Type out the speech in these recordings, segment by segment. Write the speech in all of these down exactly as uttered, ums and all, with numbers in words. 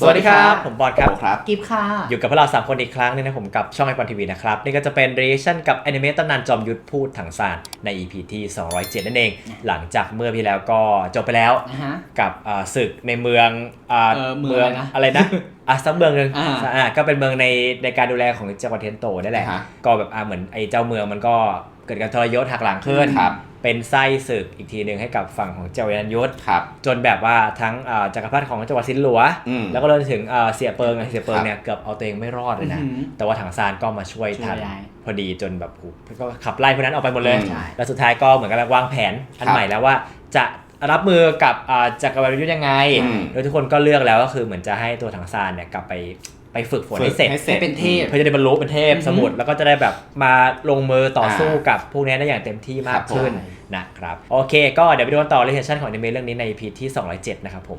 สวัสดีครับผมบอลครับกิฟค่ะอยู่กับพวกเราสามคนอีกครั้งนึงนะผมกับช่องไอปอนทีวีนะครับนี่ก็จะเป็น reaction กับแอนิเมตตำนานจอมยุทธพูดถังซานใน อี พี ที่สองร้อยเจ็ดนั่นเองหลังจากเมื่อพี่แล้วก็จบไปแล้วกับศึกในเมืองเมืองอะไรนะอ่ะสักเมืองนึงอ่าก็เป็นเมืองในในการดูแลของจังหวัดเทนโตนั่นแหละก็แบบอ่าเหมือนไอ้เจ้าเมืองมันก็เกิดการทรยศหักหลังขึ้นเป็นไส้ศึกอีกทีหนึ่งให้กับฝั่งของเจ้ายันยุทธจนแบบว่าทั้งจักรพรรดิของจังหวัดซินหลัวแล้วก็รวมถึงเสียเปิงเสียเปิงเนี่ยเกือบเอาตัวเองไม่รอดเลยนะแต่ว่าถังซานก็มาช่วยทันพอดีจนแบบก็ขับไล่พวกนั้นออกไปหมดเลยแล้วสุดท้ายก็เหมือนกับวางแผนอันใหม่แล้วว่าจะรับมือกับจักรวรรดิยุทธยังไงโดยทุกคนก็เลือกแล้วก็คือเหมือนจะให้ตัวถังซานเนี่ยกลับไปไปฝึกฝนให้เสร็จเป็นเทพเพื่อจะได้บรรลุเป็นเทพสมุทรแล้วก็จะได้แบบมาลงมือต่อสู้กับพวกนี้ได้อย่างเต็มที่มากขึ้นนะครับโอเคก็เดี๋ยวไปดูกันต่อเรชั่นของอนิเมะเรื่องนี้ใน อี พี ที่สองร้อยเจ็ดนะครับผม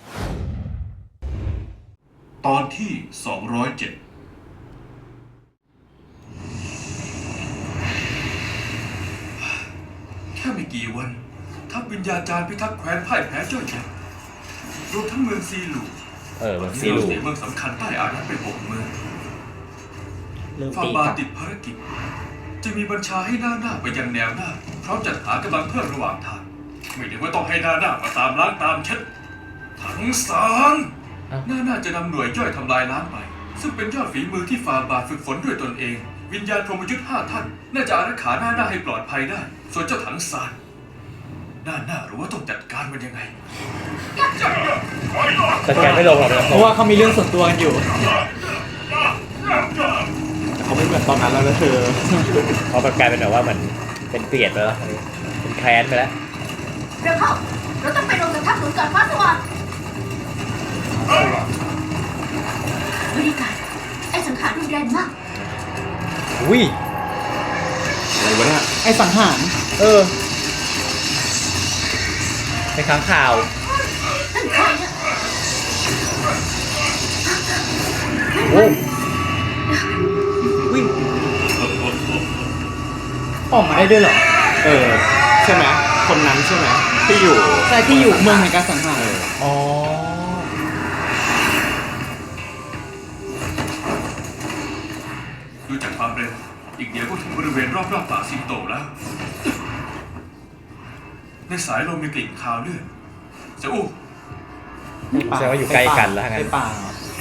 ตอนที่สองร้อยเจ็ดแค่ไม่กี่วันทัพวิญญาจารย์พิทักษ์แคว้นพ่ายแพ้เจ้าเจ็บรวมทั้งเมืองซีลูเออเมืองซีลูเมืองสำคัญใต้อาณาไปหกเมืองฟาบาติดภารกิจจะมีบัญชาให้หน้าหน้าไปยังแนวหน้าพร้อมจัดหากำลังเพิ่มระหว่างทางไม่ได้ว่าต้องให้หน้าหน้ามาตามล้างตามเช็ดทั้งสามหน้าหน้าจะนำหน่วยย่อยทำลายล้างไปซึ่งเป็นยอดฝีมือที่ฟาบาฝึกฝนด้วยตนเองวิญญาณพรหมยุทธ์ห้าท่านน่าจะอารักขาหน้าหน้าให้ปลอดภัยได้ส่วนเจ้าถังซานหน้าหน้ารู้ว่าต้องจัดการมันยังไงจัดการไม่ลงหรอกเพราะว่าเขามีเรื่องส่วนตัวกันอยู่เขาไม่เหมือนตอนนั้นแล้วนะเธอเขาแบบกลายเป็นแบบว่าเหมือนเป็นเกลียดไปแล้วเป็นแค้นไปแล้วเร็วเข้าเราต้องไปลงกับทัพหนุนก่อนฟ้าสว่างบริการไอ้สังขารรุนแรงมากอุ้ยอะไรวะเนี่ยไอ้สังหารเออเป็นค้างข่าวนั่นใครเนี่ยโอ้วิ่งออกมาได้ด้วยเหรอเออใช่ไหมคนนั้นใช่ไหมที่อยู่ใช่ที่อยู่เมืองแห่งการสังหารอ๋อดูจากความเร็วอีกเดียวก็ถึงบริเวณรอบๆป่าสิงโตแล้วในสายลมมีกลิ่นคาวเลือดเจ้าอู้แสดงว่าอยู่ใกล้กันแล้วงั้นป่า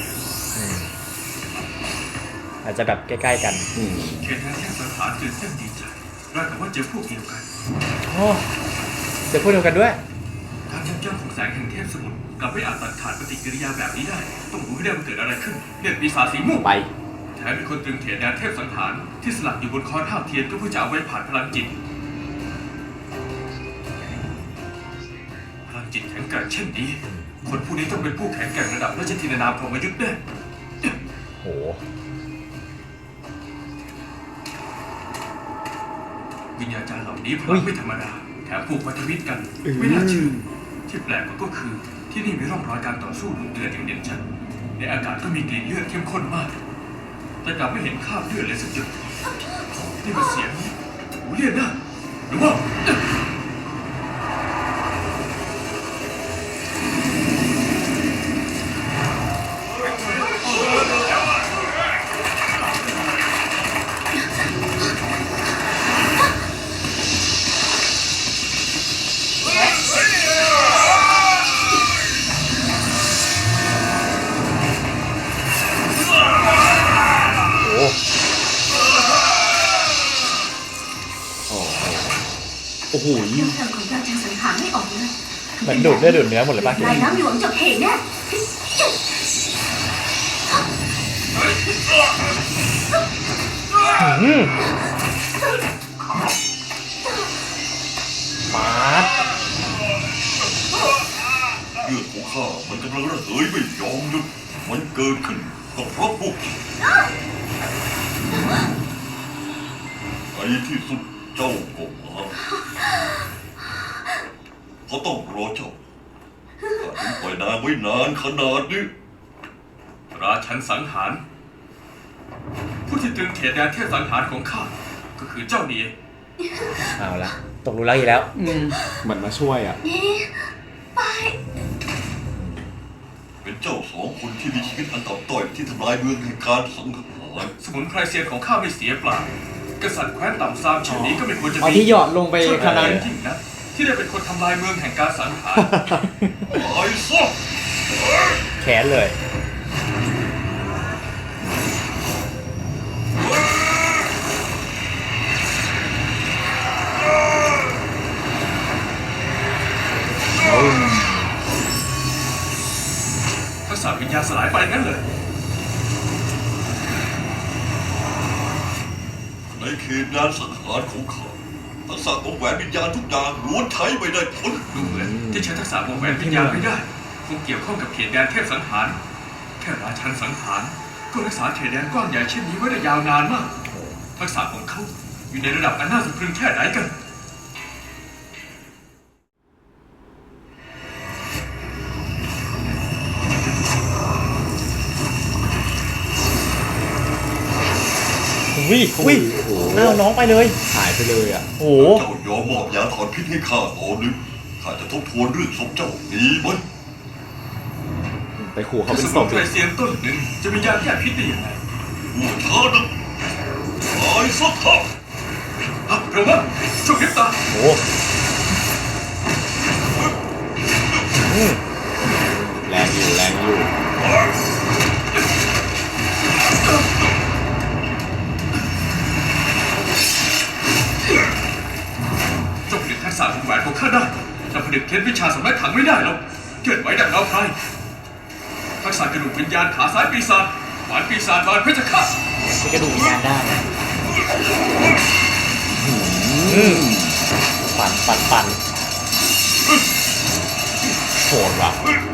อาจจะแบบใกล้ๆกันเขตแดนแห่งสังหารตื่นเต้นดีใจราวกับว่าเจอพวกเดียวกันโอ้เจอพวกเดียวกันด้วยทางเจ้าของแสงแห่งเทพสมุทรกลับไม่อาจตัดขาดปฏิกิริยาแบบนี้ได้ต้องรู้ให้ได้ว่าเกิดอะไรขึ้นเรียกปีศาจสีม่วงไปแถมมีคนตรึงเขตแดนเทพสังหารที่สลักอยู่บนคอนห้าวเทียนก็เพื่อจะเอาไว้ผ่านพลังจิตพลังจิตแข็งแกร่งเช่นนี้คนผู้นี้ต้องเป็นผู้แข็งแกร่งระดับราชธินานามพรหมยุทธ์แน่โหวิญญาจารย์เหล่านี้พลังไม่ธรรมดาแถมผูกพันธมิตรกันไม่น่าเชื่อที่แปลกกว่าก็คือที่นี่มีร่องรอยการต่อสู้ดุเดือดอย่างเด่นชัดในอากาศก็มีกลิ่นเลือดเข้มข้นมากแต่กลับไม่เห็นคราบเลือดเลยสักจุดนี่มันเสียงหูเลียนนะหรือว่าโอ้โหยิ่งเธอของเราจะสังหารไม่ออกเลยเหมือนดูดเลือดดูดเนื้อหมดเลยป่ะนายน้ำหลวงจบเหตุเนี่ยปาดเลือดของข้ามันกำลังระเหยไม่ยอมหยุดมันเกิดขึ้นก็เพราะพวกในที่สุดเจ้าก็มาเขาต้องรอเจ้าข้าถึงปล่อยนางไว้นานขนาดนี้ราชันสังหารผู้ที่ตรึงเขตแดนเทพสังหารของข้าก็คือเจ้านี่เอาละตกลุลักอีกแล้วเหมือนมาช่วยอ่ะไปเป็นเจ้าสองของคนที่มีชีวิตอันต่ำต้อยที่ทำลายเมืองแห่งการสังหารสมุนไพรเซียนของข้าไม่เสียเปล่ากษัตริย์แคว้นต่ำซามเช่นนี้ก็ไม่ควรจะเอามีที่หยอดลงไปช่วยขนาดนั้นยิ่งนะที่ได้เป็นคนทำลายเมืองแห่งการสังหารไอ้ซอกแขนเลยทักษะวิญญาณสลายไปงั้นเลยในเขตงานสังหารของข้าทักษะของแหวนวิญญาณทุกอย่างล้วนใช้ไม่ได้ผลดูเหมือนที่ใช้ทักษะวงแหวนวิญญาณไม่ได้คงเกี่ยวข้องกับเขตแดนเทพสังหาร แค่ราชันสังหารก็รักษาเขตแดนกว้างใหญ่เช่นนี้ไว้ได้ยาวนานมาก ทักษะของเขาอยู่ในระดับอันน่าสะพรึงแค่ไหนกันวิวิอ้าวน้องไปเลยหายไปเลยอ่ะโอ้โหเจ้ายอมมอบยาถอนพิษให้ข้าตอนหนึ่งข้าจะทบทวนเรื่องศพเจ้าดีไหมไปขู่เขาถ้าเป็สนศมุนพไพรเซียนต้นหนึ่งจะมียาแก้พิษได้ยังไงหัวช้านะตายซะเถอะอ่ะเร็วนะช่วยพริบตาโอ้โหอืมแรงอยู่แรงอยู่เจ้าผลิตทักษะของแหวนของข้าได้แต่ผลิตเคล็ดวิชาสำนักถังไม่ได้หรอกเกิดไว้ดังเงาไพรทักษะกระดูกวิญญาณขาซ้ายปีศาจหวานปีศาจบานเพชรฆาตจะกระดูกวิญญาณได้อืมปั่นปั่นปั่นโหดว่ะ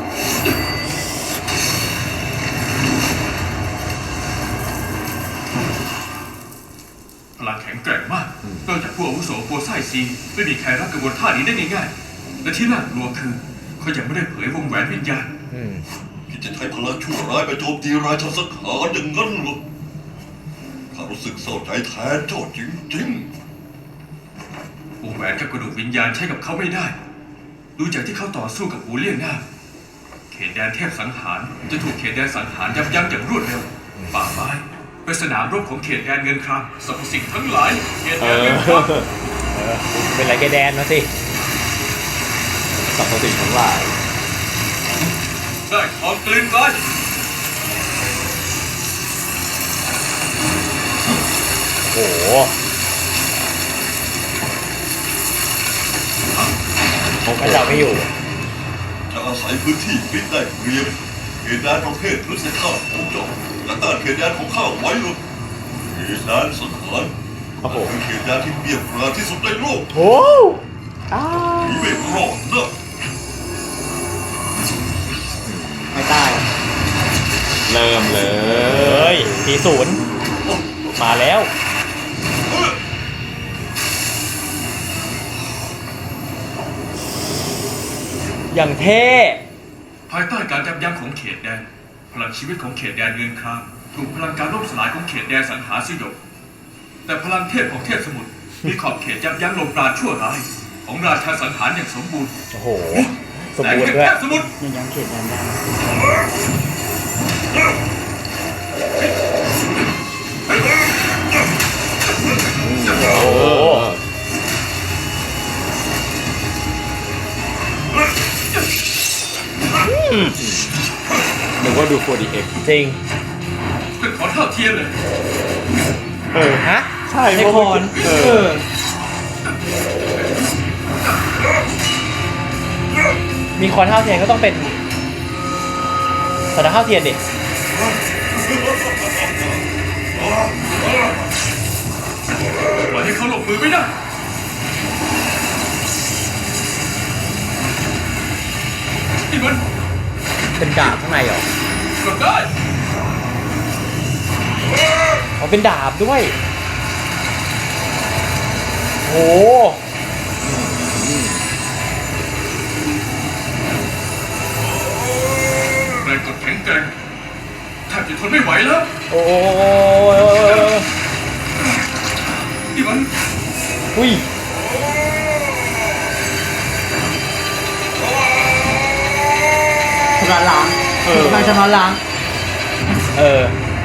พลังแข็งแกร่งมากนอกจากผู้อาวุโสปัวไส้ซีไม่มีใครรับกระบวนท่านี้ได้ง่ายๆและที่น่ากลัวคือเขายังไม่ได้เผยวงแหวนวิญญาณอืมคิดจะใช้พลังชั่วร้ายไปโจมตีราชาสังหารอย่างนั้นเหรอข้ารู้สึกเศร้าใจแทนเจ้าจริงๆวงแหวนกับกระดูกวิญญาณใช้กับเขาไม่ได้ ดูจากที่เขาต่อสู้กับหูเลี่ยงหน้า เขตแดนเทพสังหารจะถูกเขตแดนสังหารยับยั้งอย่างรวดเร็ว ป่าไม้เป็นสนามรบของเขตแดนเงินครามสรรพสิ่งทั้งหลาย เขตเอแดนอเงินครามเออเป็นไรแกแดนมาสิสรรพสิ่งทั้งหลายได้ทองกลืนไกลโอ้โหผมก็จับไม่อยู่จะอาศัยพื้นที่มิดได้เปรียบเขตแดนประเภทพฤษภาพของเจ้าและต้านเขตแดนของข้าไว้หรอกเขตแดนสังหารครับผมเป็นเขตแดนที่เปรียบปราที่สุดในโลกโอ้หนีไม่รอดนะไม่ได้เริ่มเลเอ้ยยตีศูนย์มาแล้ว อย่างเท่ภายใต้การยับยั้งของเขตแดน พลังชีวิตของเขตแดนเงินครามถูกพลังการล่มสลายของเขตแดนสังหารสยบแต่พลังเทพของเทพสมุทรมีขอบเขตยับยั้งลมปราณชั่วร้ายของราชาสังหารอย่างสมบูรณ์โอ้โห สมแสงบูรแห่ณ์งด้วยเทพสมุทรยังยังเขตแดนได้โอ้โหนึกว่าดู โฟร์ ดี เอ็กซ์จริงเป็นขอเท่าเทียมเลยเออ ฮะใช่ไอคอนเอเอออมีคอนเท่าเทียนก็ต้องเป็นสถานเท่าเทียนดิปล่อยให้เขาลงมือไม่ได้ นี่มันเป็นดาบข้างในเหรอกดได้อ๋อเป็นดาบด้วย โอ้แรงกดแข็งแกร่งแทบจะทนไม่ไหวแล้วโอ้นี่มันอุ้ยพลังล้างเออทางชำระล้างเออ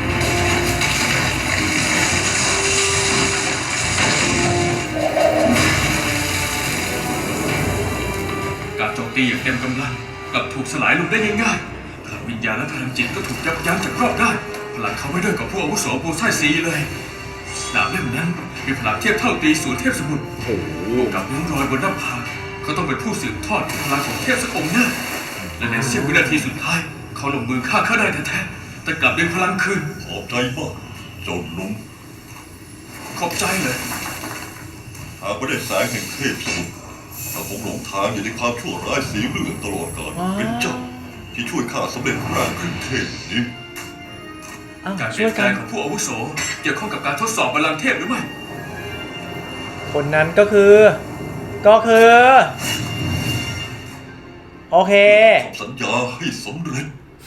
การโจมตีอย่างเต็มกำลังกลับถูกสลายลงได้ง่ายๆพลังวิญญาณและพลังจิตก็ถูกยับยั้งจากรอบด้านพลังเขาไม่ด้อยกว่าผู้อาวุโสโบไซซีเลยดาบเล่มนั้นมีพลังเทียบเท่าตีศูนย์เทพสมุทรโอ้โหกับนิ้วรอยบนหน้าผากเขาต้องเป็นผู้สืบทอดพลังของเทพสักองค์แน่และในเสี้ยววินาทีสุดท้ายเขาลงมือฆ่าข้าได้แท้ๆแต่กลับดึงพลังคืนขอบใจมากเจ้าหนุ่มขอบใจเลยหากไม่ได้แสงแห่งเทพสมุทรเราคงหลงทางอยู่ในความชั่วร้ายสีเลือดตลอดกาลเป็นเจ้าที่ช่วยข้าสำเร็จร่างขึ้นเทพนี้การเปลี่ยนแปลงของผู้อาวุโสเกี่ยวข้องกับการทดสอบพลังเทพหรือไม่คนนั้นก็คือ ก็คือ โอเคทำสัญญาให้สำเร็จ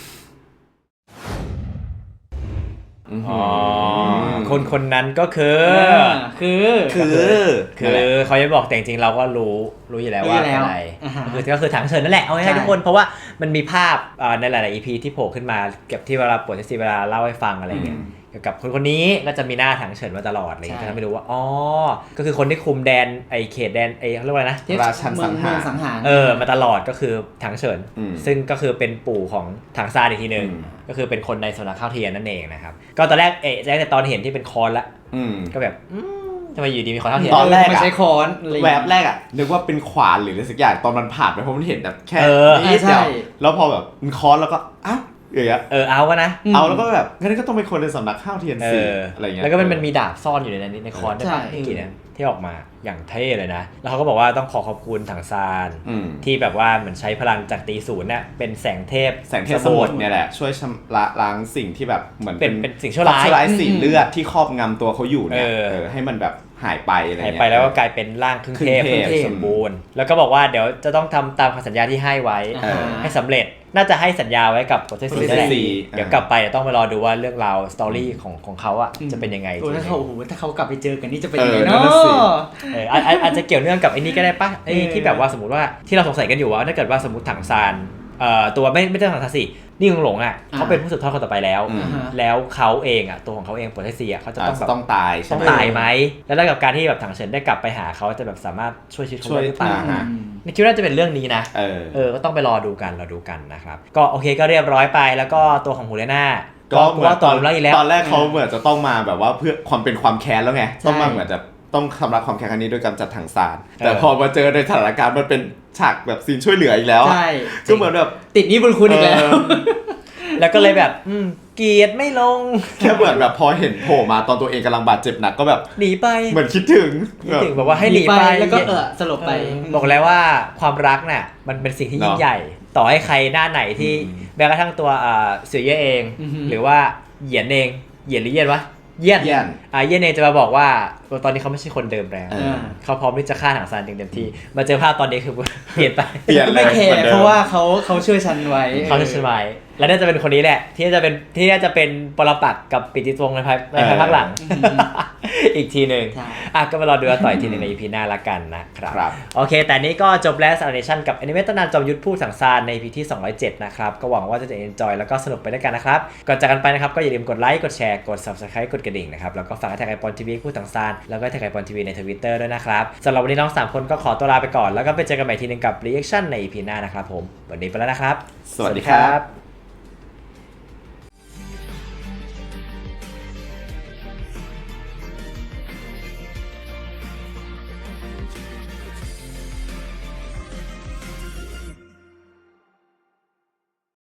อ๋อ คนคนนั้นก็คือคือคือคือเขาจะบอกแต่จริงๆเราก็รู้รู้อยู่แล้วว่ารู้อยู่แล้วอะไรอ่าฮะคือก็คือถังเฉินนั่นแหละเอาให้ใช่ทุกคนเพราะว่ามันมีภาพเอ่อในหลายๆ อี พี ที่โผล่ขึ้นมาเก็บที่เวลาปวดที่เวลาเล่าให้ฟังอะไรเงี้ยเกี่ยวกับคนคนนี้ก็จะมีหน้าถังเฉินมาตลอดอะไรเงี้ยก็ทำให้รู้ว่าอ๋อก็คือคนที่คุมแดนไอเขตแดนไอเขาเรียกว่าอะไรนะเทพราชันสังหารเมือสังหารเออมาตลอดก็คือถังเฉินอืมซึ่งก็คือเป็นปู่ของถังซานอีกทีหนึ่งอืมก็คือเป็นคนในสำนักข้าวเทียนนั่นเองนะครับก็ตอนแรกเอะแรกแต่ตอนเห็นที่เป็นคอนละอืมก็แบบอืมทำไมอยู่ดีมีคอนข้าวเทียนตอนแรกอะมันใช้ค้อนอะไรอย่างแวเงี้ยบแรกอะนึกว่าเป็นขวานหรืออะไรสักอย่างตอนมันผ่านไปเพราะมันเห็นแบบแค่เออนิดเดียวใช่แล้วพอแบบมันค้อนแล้วก็อ้าวอย่างเงี้ยเออเอาก็นะมเอาแล้วก็แบบงั้นก็ต้องเป็นคนในสำนักข้าวเทียนเอสีออะไรเงี้ยแล้วก็มันมันมีดาบซ่อนอยู่ในนั้นในคอนด้วยใช่ปะเมื่อกี้เนี่ยที่ออกมาอย่างเท่เลยนะ แล้วเขาก็บอกว่าต้องขอขอบคุณถังซานอืมที่แบบว่าเหมือนใช้พลังจากตีศูนย์เนี่ยเป็นแสงเทพแสงเทพสมุทรเนี่ยแหละช่วยชำระล้างสิ่งที่แบบเหมือนเป็นเป็นสิ่งชั่วร้ายชั่วร้ายสีเลือดที่ครอบงำตัวเขาอยู่เนี่ยเออเออให้มันแบบหายไปอะไรหายเงี้ยไปแล้วก็กลายเป็นร่างครึ่งเทพครึ่งเทพสมบูรณ์แล้วก็บอกว่าเดี๋ยวจะต้องทำตามคำสัญญาที่ให้ไว้อ่าให้สำเร็จน่าจะให้สัญญาไว้กับโปรเซสซีนั่นแหละซีเดี๋ยวกลับไปเดี๋ยวต้องไปรอดูว่าเรื่องราวสตอรี่ของของเขาอะจะเป็นยังไงโอ้ถ้าเขาโอ้โหถ้าเขากลับไปเจอกันนี่จะเป็นเออยังไงนั่เนาะนน่ะสิเอออาจอาจอาจจะเกี่ยวเนื่องกับไอ้นี่ก็ได้ปะไอ้เออที่แบบว่าสมมติว่าที่เราสงสัยกันอยู่ว่าถ้าเกิดว่าสมมติถังซานเอ่อตัวไม่ไม่ใช่ถังซานสินี่หลงอ่ะเขาเป็นผู้สืบทอดคนต่อไปแล้วอืมอ่าฮะแล้วเขาเองอ่ะตัวของเขาเองโปรเทสเซียเขาจะอาต้จองจะแบบต้องตายใช่ต้องไหมตายไหมแล้วแล้วกับการที่แบบถังเฉินได้กลับไปหาเขาจะแบบสามารถช่วยชีวิตเขาช่วยได้หรือเปล่าอ่าฮะในคิดว่าจะเป็นเรื่องนี้นะเออเออก็ต้องไปรอดูกันรอดูกันนะครับก็โอเคก็เรียบร้อยไปแล้วก็ตัวของฮูเลน่าก็เหมือนว่าตต่ออน แล้วอีกแล้วตอนแรกเขาเหมือนจะต้องมาแบบว่าเพื่อความเป็นความแค้นแล้วไงใช่ต้องมาเหมือนจะต้องทำลายความแค้นครั้งนี้ด้วยการจัดถังซานเออแต่พอมาเจอในสถานการณ์มันเป็นฉากแบบซีนช่วยเหลืออีกแล้วอะใช่ก็เหมือนแบบติดหนี้บุญคุณอีกแล้วเออแล้วก็เลยแบบอืมเกลียดไม่ลงแค่เหมือนแบบพอเห็นโผล่มาตอนตัวเองกำลังบาดเจ็บหนักก็แบบหนีไปเหมือนคิดถึงคิดถึงแบบว่าให้หนีไปแล้วก็เออสลบไปเออบอกแล้วว่าความรักน่ะมันเป็นสิ่งที่ยิ่งใหญ่ ต่อให้ใครหน้าไหนที่แม้กระทั่งตัวอ่าเสือเย่เองอือฮึหรือว่าเหยียนเองเหยียนหรือเยียนวะเยียนเยี่ยนอ่าเยียนเองจะมาบอกว่าตอนนี้เขาไม่ใช่คนเดิมแล้วเออเขาพร้อมที่จะฆ่าถังซานเต็มที่มาเจอภาพตอนนี้คือ เปลี่ยนไปเปลี่ยนเลยไม่แคหมือนร์ดิมเพราะว่าเขาเขาช่วยฉันไว้เขาจะสบายและน่าจะเป็นคนนี้แหละ ที่จะเป็นที่น่าจะเป็นปรปักษ์กับปิติวงศ์ในภายในภายภาคหลัง อีกทีหนึ่งใช่อ่ะก็มารอดูกันต่ออีกทีหนึงใน อี พี หน้าละกันนะครับครับโอเค แต่นี้ก็จบแล้วสารเนชั่นกับแอนิเมตตำนานจอมยุทธผู้สังสารใน อี พี ที่สองร้อยเจ็ดนะครับ ก็หวังว่าจะจะ enjoy แล้วก็สนุกไปด้วยกันนะครับ ก่อนจากกันไปนะครับ ก็อย่าลืมกดไลค์ กดแชร์ กด subscribe กดกระดิ่งนะครับ แล้วก็ฝากแท็กไอปอนทีวีผู้สังสารแล้วก็แท็กไอปอนทีวีใน Twitter ด้วยนะครับสำหรับวันนี้น้องสามคนก็ขอตัวลาไปก่อน แล้วก็ไปเจอกันใหม่ทีหนึงกับ reaction ใน อี พี หน้านะครับผม วันนี้ไปแล้วนะครับสวัสดีครับ